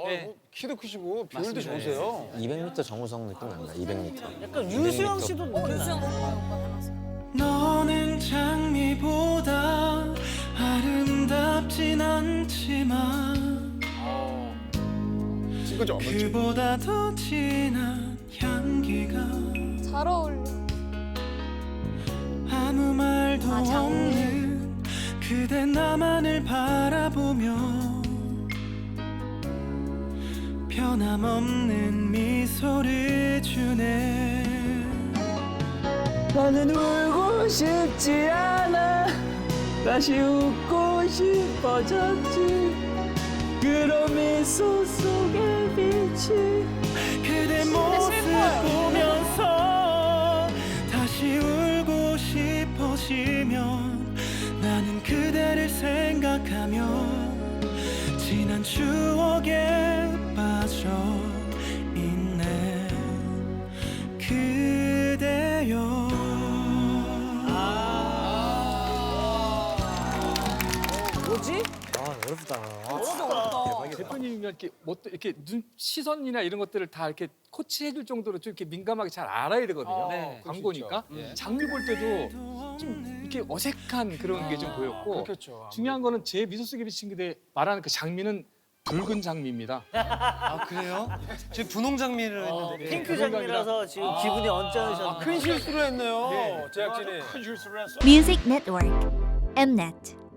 키도 크시고 비율도 좋으세요. 200m 정우성 느낌 난다. 200m. 약간 유수영 씨도 너는 장미보다 아름답진 않지만 친구죠. 그보다 더 진한 향기가 잘 어울려. 아무 말도 없는 그대 나만을 바라보며 변함없는 미소를 주네. 나는 울고 싶지 않아 다시 웃고 싶어졌지 그런 미소 속의 빛이 그대 모습 보면서 다시 울고 싶어지면 나는 그대를 생각하며 지난 추억에 빠져 있네. 그대여. 뭐지? 대표님이 이렇게 이렇게 눈 시선이나 이런 것들을 다 이렇게 코치해줄 정도로 좀 이렇게 민감하게 잘 알아야 되거든요. 광고니까 장미 볼 때도 좀 이렇게 어색한 그런 게 좀 보였고 그렇겠죠. 중요한 거는 제 미소 속에 비친 그대 말하는 그 장미는 붉은 장미입니다. 아 그래요? 지금 분홍 장미를 했는데. 핑크 장미라서 지금 기분이 언짢으셨네. 큰 실수를 했네요. 제작진이. Music Network, Mnet.